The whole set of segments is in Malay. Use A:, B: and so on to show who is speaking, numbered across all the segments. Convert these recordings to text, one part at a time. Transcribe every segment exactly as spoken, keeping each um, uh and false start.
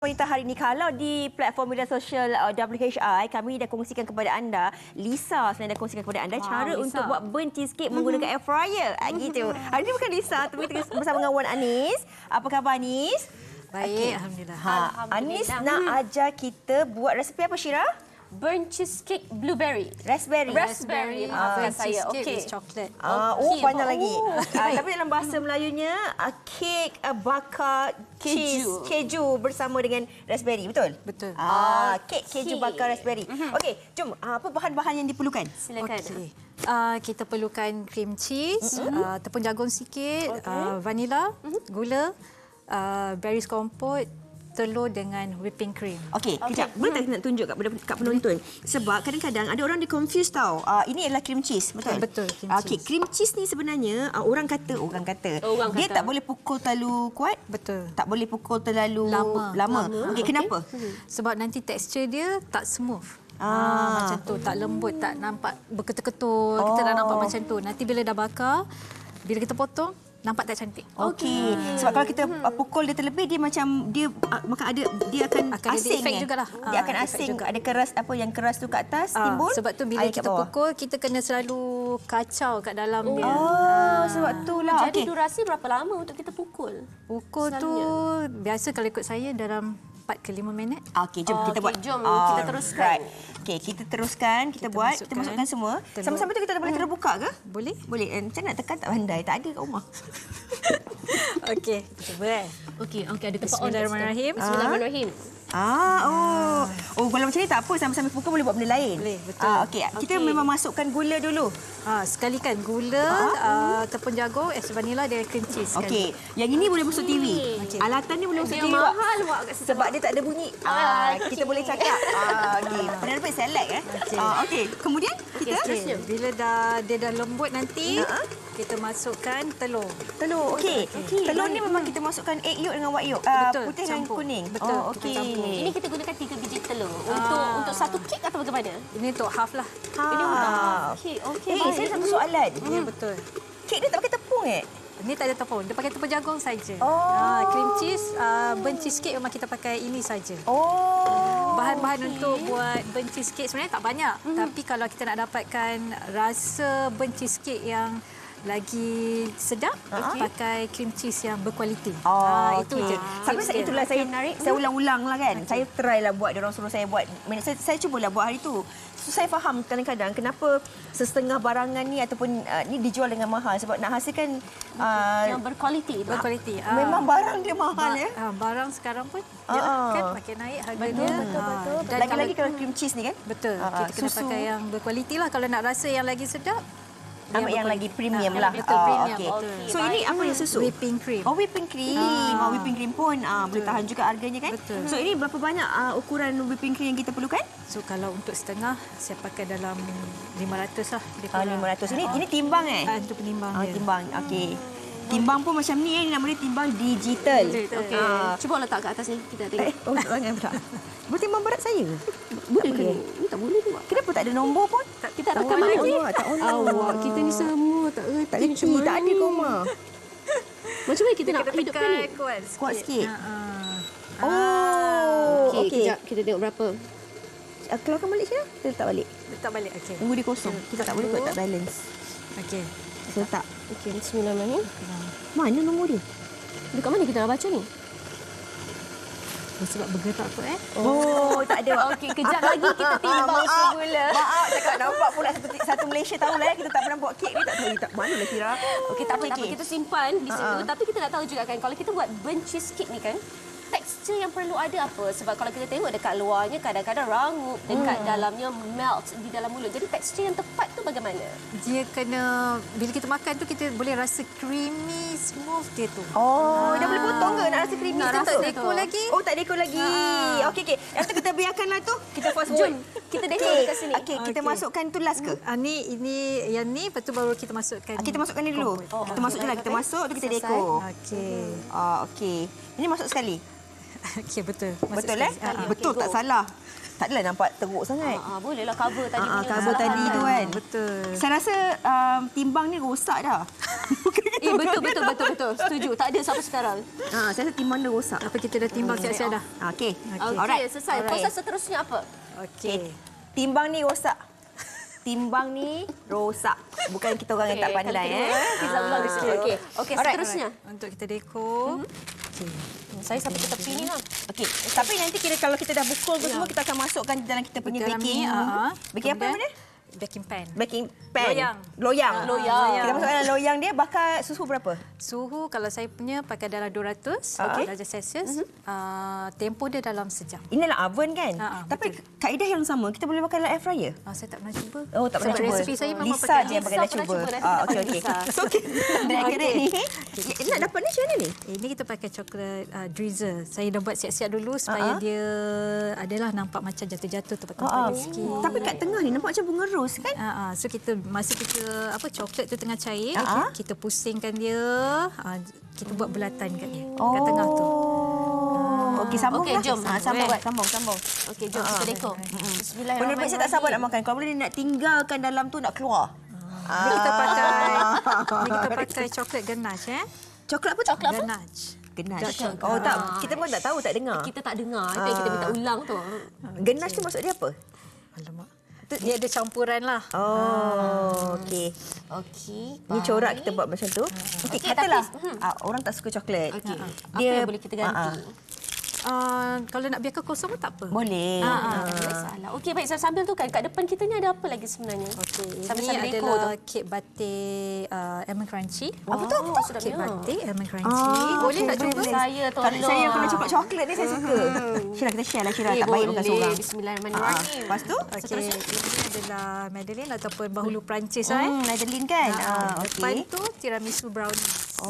A: Wanita hari ini, kalau di platform media sosial uh, W H I, kami dah kongsikan kepada anda, Lisa sebenarnya dah kongsikan kepada anda wow, cara Lisa. untuk buat burnt cheesecake mm-hmm. menggunakan air fryer. Ah, gitu. Hari ini bukan Lisa, tapi kita bersama dengan Wan Anis. Apa khabar Anis?
B: Baik, okay. Alhamdulillah.
A: Ha, Alhamdulillah. Anis hmm. nak ajar kita buat resipi apa, Syira?
C: Burnt cheesecake blueberry.
A: Raspberry.
C: Raspberry. Maafkan
B: uh,
C: saya.
B: Okey.
C: With chocolate.
A: Uh, oh,
C: okay.
A: banyak lagi.
C: Oh.
A: Uh, tapi dalam bahasa Melayunya, uh, kek uh, bakar cheese keju. keju bersama dengan raspberry, betul?
B: Betul.
A: Ah, kek keju okay. bakar raspberry.
C: Mm-hmm.
A: Okey, jom. Uh, apa bahan-bahan yang diperlukan?
C: Silakan.
B: Okay. Uh, kita perlukan cream cheese, mm-hmm. uh, tepung jagung sikit, okay. uh, vanila, mm-hmm. gula, uh, berries kompot, telur dengan whipping cream.
A: Okey, okay. kejap. Boleh tak nak tunjuk kat, kat penonton? Sebab kadang-kadang ada orang di-confuse tau. Uh, ini adalah cream cheese, betul?
B: Betul, cream
A: Okey,
B: cheese.
A: cream cheese ni sebenarnya uh, orang kata, orang kata,
C: oh, orang
A: dia
C: kata.
A: tak boleh pukul terlalu kuat.
B: Betul.
A: Tak boleh pukul terlalu
B: lama.
A: lama.
B: lama.
A: Okey, kenapa?
B: Okay. Sebab nanti tekstur dia tak smooth.
A: Ah.
B: Ah, macam tu, tak lembut, tak nampak berketul-ketul. Oh. Kita dah nampak macam tu. Nanti bila dah bakar, bila kita potong, nampak tak cantik.
A: Okey. Hmm. Sebab kalau kita hmm. pukul dia terlebih, dia macam dia uh, maka ada dia akan,
B: akan
A: asing.
B: Ada jugalah.
A: Dia akan
B: ah,
A: asing.
B: juga.
A: Ada keras apa yang keras tu kat atas
B: ah,
A: timbul.
B: Sebab tu bila kita pukul, kita kena selalu kacau kat dalam
A: oh.
B: dia.
A: Oh, sebab itulah.
C: Jadi
A: okay.
C: durasi berapa lama untuk kita pukul?
B: Pukul Selalunya. tu biasa kalau ikut saya dalam empat ke lima minit.
A: Okey, jom oh, kita okay. buat.
C: Jom
A: oh,
C: kita teruskan.
A: Right. Okey, kita teruskan, kita, kita buat, masukkan, kita masukkan semua. Sama-sama tu kita boleh terus buka ke?
B: Boleh.
A: Boleh. Eh, macam nak tekan tak pandai, tak ada kat rumah.
B: Okey, cuba eh.
C: Okey, okey ada tempat.
B: Bismillahirrahmanirrahim.
C: Bismillahirrahmanirrahim.
A: Ah, oh. Oh, kalau macam ni tak apa, sambil-sambil pukul boleh buat benda lain.
B: Boleh, betul.
A: Ah, okey, kita okay. memang masukkan gula dulu.
B: Ah, sekalikan gula, ah. uh, tepung jagung, es vanila dan cream cheese.
A: Okey, yang ini boleh masuk T V. Okay. Alatan ni boleh masuk
C: dia
A: T V.
C: Mahal buat kat situ.
A: Sebab dia tak ada bunyi. Ah, okay. Kita boleh cakap. Ah, okey. Pernah dapat select eh? Okey. Ah, okey. Kemudian kita
B: okay. bila dah dia dah lembut nanti, uh-huh. kita masukkan telur.
A: Telur. Okey. Okay. Telur ni memang kita masukkan egg yolk dengan white yolk. Uh,
B: Betul.
A: Putih
B: Campur.
A: dan kuning.
B: Betul.
A: Oh, okey.
C: Ini kita gunakan tiga biji telur untuk
B: ah.
C: untuk satu kek atau bagaimana?
B: Ini untuk half lah.
A: Ha.
C: Ini half. Okey, okey.
A: Eh, saya satu soalan.
B: Ya, betul.
A: Kek dia tak pakai tepung eh?
B: Ini tak ada tepung. Dia pakai tepung jagung saja.
A: Oh.
B: Ah, cream cheese, uh, burnt cheesecake memang kita pakai ini saja.
A: Oh.
B: Bahan-bahan okay. untuk buat burnt cheesecake sebenarnya tak banyak. Hmm. Tapi kalau kita nak dapatkan rasa burnt cheesecake yang lagi sedap, okay. pakai cream cheese yang berkualiti.
A: Oh,
B: ah, itu
A: okay.
B: je.
A: Sampai saya itulah saya menarik. Saya ulang-ulang lah kan. Okay. Saya try lah buat, dia orang suruh saya buat. Saya, saya cubalah buat hari tu. So, saya faham kadang-kadang kenapa setengah barangan ni ataupun uh, ni dijual dengan mahal sebab nak hasilkan uh,
C: yang berkualiti.
B: Berkualiti. Ah.
A: Memang barang dia mahal ba- ya.
B: Ah, barang sekarang pun
A: ah.
B: dia kan makin naik harga
C: betul,
B: dia.
C: Betul betul.
B: Ah.
A: Lagi-lagi kalau cream cheese ni kan?
B: Betul.
A: Ah,
B: kita kena
A: susu.
B: pakai yang berkualiti lah kalau nak rasa yang lagi sedap.
A: Ambil yang, yang lagi premium
B: ah,
A: lah.
B: Betul,
A: oh,
B: premium.
A: Okay.
B: Okay.
A: So ini apa yang susu?
B: Whipping cream.
A: Oh, whipping cream. Ah. Oh, whipping cream pun ah, boleh tahan juga harganya kan?
B: Betul.
A: So ini berapa banyak uh, ukuran whipping cream yang kita perlukan?
B: So kalau untuk setengah saya pakai dalam lima ratus lah.
A: Ah, lima ratus. Ini oh. ini timbang eh?
B: Ah, untuk penimbang
A: ah,
B: dia.
A: Timbang. Okey. Timbang pun macam ni eh, nama dia timbang digital.
C: Okey. Ah. Cuba letak kat atas ni kita tengok.
A: Eh, oh, jangan pula. Boleh timbang berat saya?
C: Boleh ke? Ni tak boleh tu.
A: Kenapa tak ada nombor pun?
C: Tak, kita tak mana je.
A: Tak on.
C: Awak kita ni semua tak reti.
A: Tak reti, tak ada koma.
C: Macam mana kita nak hidupkan ni?
B: Kuat sikit.
A: Kuat sikit.
B: Uh, uh.
A: Oh,
C: okey.
A: okey.
C: Kejap kita tengok berapa.
A: Uh, keluarkan balik Syirah? Kita letak balik.
B: Letak balik. Okey.
A: Tunggu dia kosong. Kita tak boleh buat tak balance.
B: Okey.
A: Kita letak.
C: Okey, bismillahirrahmanirrahim.
A: Mana nombor dia?
C: Dekat mana kita nak baca ni?
B: Oh, sebab bergerak tu eh.
A: Oh, tak ada.
C: Okey, kejap lagi kita timbang semula.
A: Maaf, cakap nampak pula seperti satu Malaysia tahulah ya, kita tak pernah buat kek ni, tak tahu tak mana lah Syirah.
C: Okey, tak apa, tak apa, kita simpan di situ.
A: Uh-huh.
C: Tapi kita nak tahu juga kan, kalau kita buat burnt cheesecake ni kan, tekstur yang perlu ada apa? Sebab kalau kita tengok dekat luarnya kadang-kadang rangup, dekat hmm. dalamnya melt di dalam mulut. Jadi tekstur yang tepat tu bagaimana?
B: Dia kena, bila kita makan tu kita boleh rasa creamy, smooth dia tu.
A: Oh, ah. dah boleh potong ke nak rasa creamy?
B: Nak rasa
A: tu?
B: dekor lagi.
A: Oh, tak dekor lagi. Ah. Okey, okey. Yang tu kita biarkanlah tu. Kita fast
C: Jom,
A: forward.
C: kita dekor dekat sini.
A: Okey, kita okay. masukkan tu last ke?
B: Ah, ni, ini, yang ni, lepas tu baru kita masukkan.
A: Ah, kita masukkan ni dulu. Oh, kita okay. masuk je lah. Kita masuk, tu kita dekor.
B: Okey.
A: Ah, okey. Ini masuk sekali.
B: Okey, betul. Masuk
A: betul
B: sekali.
A: eh? Ah, okay, betul, go. Tak salah. Tak adalah nampak teruk sangat.
C: Ah, ah, bolehlah cover tadi
A: ah,
C: punya.
A: Cover tadi tu kan.
B: Betul.
A: Saya rasa um, timbang ni rosak dah.
C: Eh, Okey, betul, betul, betul, betul. Setuju. Tak ada sampai sekarang.
A: Ha, saya rasa timbang dia rosak.
B: Apa kita dah timbang siap-siap dah?
A: Okey.
C: Okey,
A: Alright.
C: selesai.
A: Alright.
C: Proses seterusnya apa?
B: Okey.
A: Timbang ni rosak. Timbang ni rosak. Bukan kita orang yang tak
C: Okey,
A: pandai.
C: kalau
A: Eh.
C: kita, Kita ulang di sini. Okey. Okey,
A: Alright.
C: seterusnya.
B: Untuk kita dekor.
C: Saya sampai ke tepi ni lah.
A: Okey. Tapi nanti kira kalau kita dah pukul tu semua, kita akan masukkan dalam kita punya
B: Dalam
A: baking.
B: ni, ah.
A: Baking apa nama
B: Kemudian,
A: dia?
B: Baking pan.
A: Baking pan.
B: Loyang.
A: Loyang.
C: Loyang.
A: Kita masukkan dalam loyang dia, bakar suhu berapa?
B: Suhu kalau saya punya pakai dalam dua ratus
A: Okey.
B: darjah Celsius. Uh, tempoh dia dalam sejam.
A: Ini dalam oven kan?
B: Ha, ha,
A: Tapi kaedah yang sama, kita boleh pakai dalam air fryer.
B: Uh, saya tak pernah cuba.
A: Oh, tak pernah
B: Sebab
A: cuba.
B: resipi saya memang
A: Lisa
B: pakai
A: je yang pakai
C: Lisa
A: dah
C: pernah
A: cuba.
C: cuba, nanti
A: Ah,
C: kita
A: okey
C: pakai
A: okey.
C: Lisa.
A: So, okey. Dekorate ni. Eh, nak dapat ni macam mana ni?
B: Ini kita pakai coklat uh, drizzle. Saya dah buat siap-siap dulu supaya
A: Ha-ha.
B: dia adalah nampak macam jatuh-jatuh
A: Ha,
B: tempat-tempat sikit.
A: Tapi kat tengah ni nampak macam bunga ros kan?
B: Uh, uh, so kita masa kita apa coklat tu tengah cair,
A: Ha-ha.
B: kita pusingkan dia, uh, kita buat bulatan kat dia kat tengah tu.
A: Oh. Okey, sambung
C: Okey,
A: lah.
C: jom.
A: Ha, sambung,
C: Eh.
A: buat, sambung, sambung.
C: Okey, jom kita dekor.
A: Benar-benar saya tak sabar nak makan. Kalau boleh ni nak tinggalkan dalam tu nak keluar.
B: Ni kita pakai ni kita pakai coklat ganache eh.
A: Coklat apa? Coklat apa?
B: Ganache.
A: Ganache. Oh tak, kita pun tak tahu, tak dengar.
C: Kita tak dengar. Itu yang kita minta ulang tu.
A: Ganache tu maksud dia apa?
B: Alamak. Dia ada campuran lah.
A: Oh, okey.
C: Okey.
A: Ni corak kita buat macam tu. Okey,
C: Okey,
A: katalah
C: tapi-
A: ah, orang tak suka coklat.
C: Okey. Apa yang boleh kita ganti?
B: Uh, kalau nak biarkan kosong pun tak apa.
A: Boleh.
C: Ah, tak salah. Okey, baik. Sambil tu kan, kat depan kita ni ada apa lagi sebenarnya?
B: Okey,
C: Sambil
B: ini
C: sambil dekor tu.
B: adalah kek batik uh, almond crunchy.
C: Apa tu? Apa tu?
B: Kek
C: Sedapnya.
B: batik almond crunchy.
A: Ah,
B: boleh
A: okey,
B: tak
A: boleh,
B: cuba?
A: boleh.
C: Saya
A: Kalau
C: tolong.
A: saya yang kena coklat-coklat ni saya suka. Syirah, kita share lah Syirah.
C: Eh,
A: Tak baik makan
C: boleh.
A: seorang.
C: Bismillahirrahmanirrahim.
A: Ah, lepas tu?
B: Okey, ini adalah Madeleine ataupun bahulu Perancis lah eh.
A: Hmm, Madeline kan? Ah,
B: Depan
A: okey.
B: tu tiramisu brownie.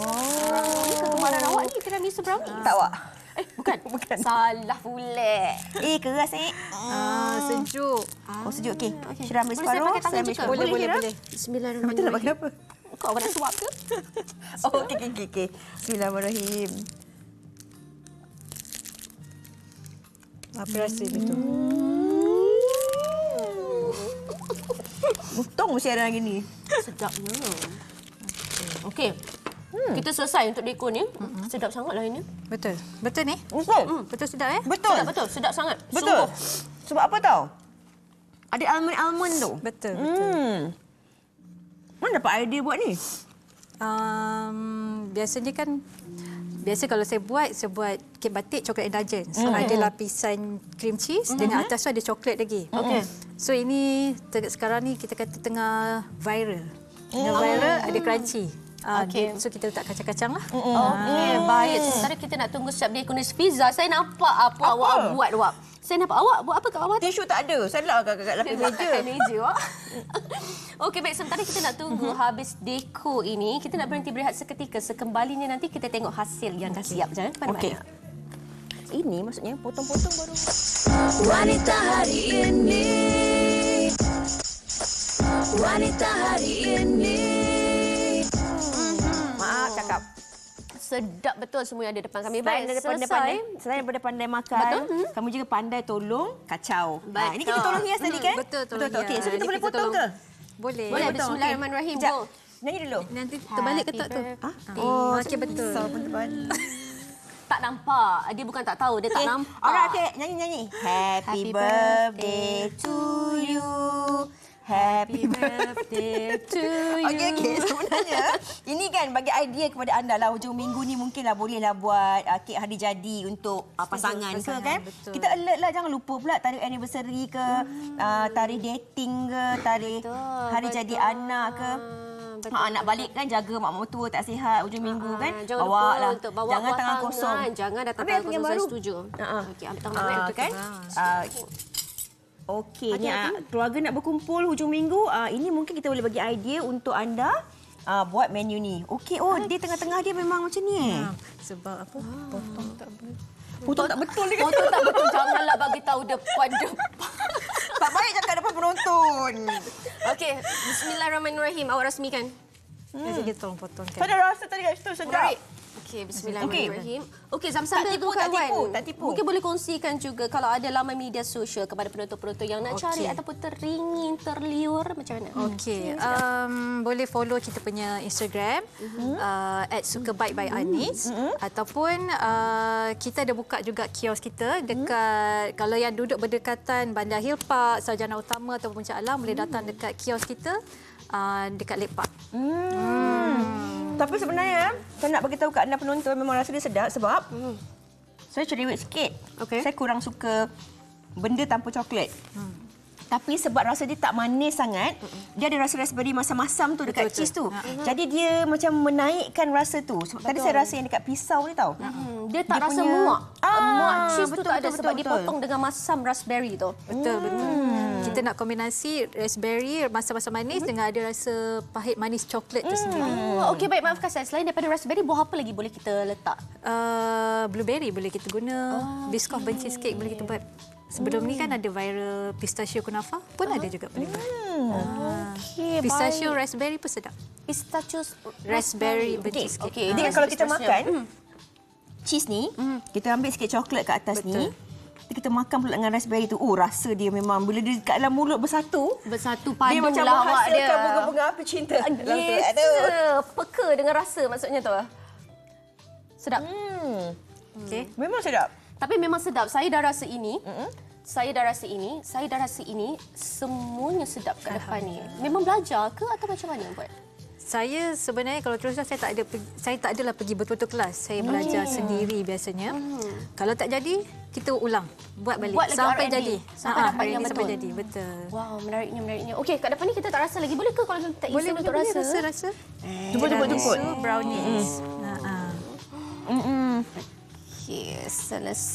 A: Oh.
C: Ini kegemaran awak ni tiramisu brownie.
A: Tak awak?
C: Eh, bukan.
A: Bukan.
C: Salah pula.
A: Eh, keras eh.
B: Ah, sejuk.
A: Oh, sejuk. Okey. Syirah ambil
C: Boleh saya
A: separuh.
C: pakai tangan
A: saya ambil
C: juga?
A: separuh.
B: Boleh, boleh,
A: Syirah?
B: boleh.
C: Bismillahirrahmanirrahim.
A: Betul nak pakai apa?
C: Kau awak nak suap ke?
A: Oh, okey, okey, okey. Okay. Bismillahirrahmanirrahim.
B: Apa rasa dia tu?
A: Untung mesti ada lagi ni.
C: Sedapnya. Okey. Hmm. Kita selesai untuk dekor ni. Mm-hmm. Sedap sangatlah ini.
B: Betul. Betul ni?
A: Betul.
C: Hmm.
B: Betul sedap eh?
A: Betul.
C: Sedap betul. Sedap sangat.
A: Betul.
C: Sungguh.
A: Sebab apa tahu? Ada almond-almond tu.
B: Betul, betul.
A: Hmm. Mana dapat idea buat ni?
B: Um, biasanya kan biasa kalau saya buat saya buat kek batik coklat indulgence. So,
A: Mm-hmm.
B: ada lapisan cream cheese mm-hmm. dengan atas tu ada coklat lagi.
C: Okey.
B: So ini te- sekarang ni kita kata tengah viral. Tengah viral ada crunchy. Uh,
C: Okey.
B: So kita letak kacang-kacang lah.
C: Okey, baik. Sementara kita nak tunggu siap dia kunis pizza. Saya nampak apa,
A: Apa?
C: awak buat, Wak. Saya nampak awak buat apa kat bawah tu?
A: Tisu tak ada. Saya letak kat, kat lapis meja.
C: Kat meja, Wak. Okey, baik. Sementara kita nak tunggu habis dekor ini, kita nak berhenti berehat seketika. Sekembalinya nanti kita tengok hasil yang dah siap. Jangan ke
A: Okey.
C: mana-mana.
A: Ini maksudnya potong-potong baru.
D: Wanita hari ini, wanita hari ini.
A: Maaf cakap.
C: Sedap betul semua yang ada depan kami.
A: Selain
C: Baik,
A: daripada
C: selesai.
A: pandai, selain daripada pandai makan,
C: Betul. Hmm.
A: kamu juga pandai tolong kacau.
C: Betul.
A: Ha, ini kita tolong hias tadi kan?
B: Betul, tolong
A: Betul. Okey, so
B: hias.
A: kita
B: Ini
A: boleh
B: kita
A: potong
B: tolong.
A: ke?
B: Boleh.
C: Boleh,
A: Potong,
C: bismillahirrahmanirrahim.
A: okey.
C: Go.
A: Sekejap. Nyanyi dulu.
B: Nanti terbalik ke tak tu?
C: Happy
A: Ha?
B: Oh, okey betul.
A: So, terbalik.
C: Tak nampak. Dia bukan tak tahu, dia tak
A: Okay.
C: nampak.
A: Alright, okay. Nyanyi-nyanyi. Happy,
C: Happy
A: birthday to you. Happy
C: birthday to you.
A: Okey, okey. Sebenarnya, ini kan bagi idea kepada anda lah. Hujung minggu ni mungkinlah bolehlah buat uh, kek hari jadi untuk uh, pasangan,
B: pasangan,
A: ke kan.
B: betul.
A: Kita alert lah. Jangan lupa pula tarikh anniversary ke, uh, tarikh dating ke, tarikh
C: Betul,
A: hari
C: betul.
A: jadi anak ke.
C: Betul,
A: Ha, nak balik kan jaga mak mertua tak sihat hujung minggu kan.
C: Ah, jangan
A: bawa
C: lupa
A: lah.
C: untuk bawa
A: Jangan
C: buah
A: tangan
C: tangan.
A: kosong.
C: Jangan datang
A: Habis
C: tangan
A: apa yang
C: kosong. Saya
A: baru?
C: setuju.
A: Ha, ha.
C: Okey, ambil tangan
A: Ah,
C: baru.
A: kan? Ah, Okey, ni ah, keluarga nak berkumpul hujung minggu. Ah, ini mungkin kita boleh bagi idea untuk anda ah, buat menu ni. Okey, oh dia tengah-tengah dia memang macam ni eh.
B: Ha, sebab apa? Potong tak boleh.
A: Potong tak betul dia kata.
C: Potong tak betul. Janganlah bagi tahu depan-depan.
A: Tak baik cakap depan penonton.
C: Okey, bismillahirrahmanirrahim. Awak rasmikan.
B: Hmm. Jadi kita tolong potongkan.
A: Saya dah rasa tadi kat situ sedap.
C: Menarik. Okey, bismillahirrahmanirrahim. Okey, Zam, sambil
A: tipu,
C: tu
A: tak
C: kawan.
A: tipu, tak tipu.
C: Mungkin boleh kongsikan juga kalau ada laman media sosial kepada penonton-penonton yang nak cari
B: Okey.
C: ataupun teringin, terliur macam mana?
B: Okey, um, boleh follow kita punya Instagram
C: Mhm.
B: uh, at Sukabite by Anis ataupun uh, kita ada buka juga kios kita dekat kalau yang duduk berdekatan Bandar Hill Park, Sarjana Utama ataupun Puncak Alam boleh datang dekat kios kita uh, dekat Lake Park.
A: Hmm. Tapi sebenarnya saya nak bagi tahu kat anda penonton memang rasa dia sedap sebab
C: Hmm.
A: saya cerewet sikit.
C: Okey.
A: Saya kurang suka benda tanpa coklat. Hmm. Tapi sebab rasa dia tak manis sangat, dia ada rasa raspberry masam-masam tu dekat
B: Betul,
A: cheese tu.
B: betul.
A: Jadi dia macam menaikkan rasa tu. Sebab tadi saya rasa yang dekat pisau ni tau.
C: Hmm, dia tak
A: Dia
C: rasa
A: punya-
C: muak.
A: Ah,
C: muak cheese tu
A: betul,
C: tak ada
A: betul,
C: sebab
A: betul,
C: dipotong dengan masam raspberry tu.
B: Betul, betul. Kita nak kombinasi raspberry, masam-masam manis dengan ada rasa pahit manis coklat tu sendiri.
C: Oh, okey, baik, maafkan saya. Selain daripada raspberry, buah apa lagi boleh kita letak?
B: Uh, blueberry boleh kita guna, Biscoff burnt cheesecake boleh kita buat. Sebelum ni kan ada viral pistachio kunafa pun ada juga boleh buat.
C: Okey,
B: Pistachio raspberry pun sedap.
C: Pistachio
B: Raspberry burnt
A: Okey,
B: cheesecake.
C: okey.
A: Jadi
C: Ah,
A: kalau kita
C: pistachio.
A: makan
C: Hmm.
A: cheese ni, kita ambil sikit coklat kat atas
B: Betul.
A: ni. Nanti kita makan pula dengan raspberry tu. Oh, rasa dia memang bila dia kat dalam mulut bersatu,
C: Bersatu
A: dia
C: padu
A: macam
C: lah awak dia.
A: menghasilkan bunga-bunga api cinta. dalam tu.
C: Yes,
A: Aduh.
C: peka dengan rasa maksudnya tu. Sedap.
A: Hmm.
B: Okey.
A: Memang sedap.
C: Tapi memang sedap. Saya dah rasa ini. Saya dah rasa ini. Saya dah rasa ini. Semuanya sedap kat depan ni. Memang belajar ke atau macam mana buat?
B: Saya sebenarnya kalau terus terang, saya tak ada pergi- saya tak adalah pergi betul-betul kelas. Saya belajar sendiri biasanya. Kalau tak jadi, kita ulang, buat balik
C: Buat lagi
B: sampai
C: R and D.
B: jadi.
C: Sampai
B: Ha,
C: dapat
B: R and D
C: yang
B: sampai
C: betul.
B: jadi, betul.
C: Wow, menariknya, menariknya. Okey, kat depan ni kita tak rasa lagi. Boleh ke kalau kita tak
B: Boleh
C: isi untuk
B: boleh
C: rasa?
B: rasa rasa.
A: Jemput, jemput, jemput.
B: Tiramisu, brownies. Ha ah.
A: Mm-mm.
C: Okey, selesai.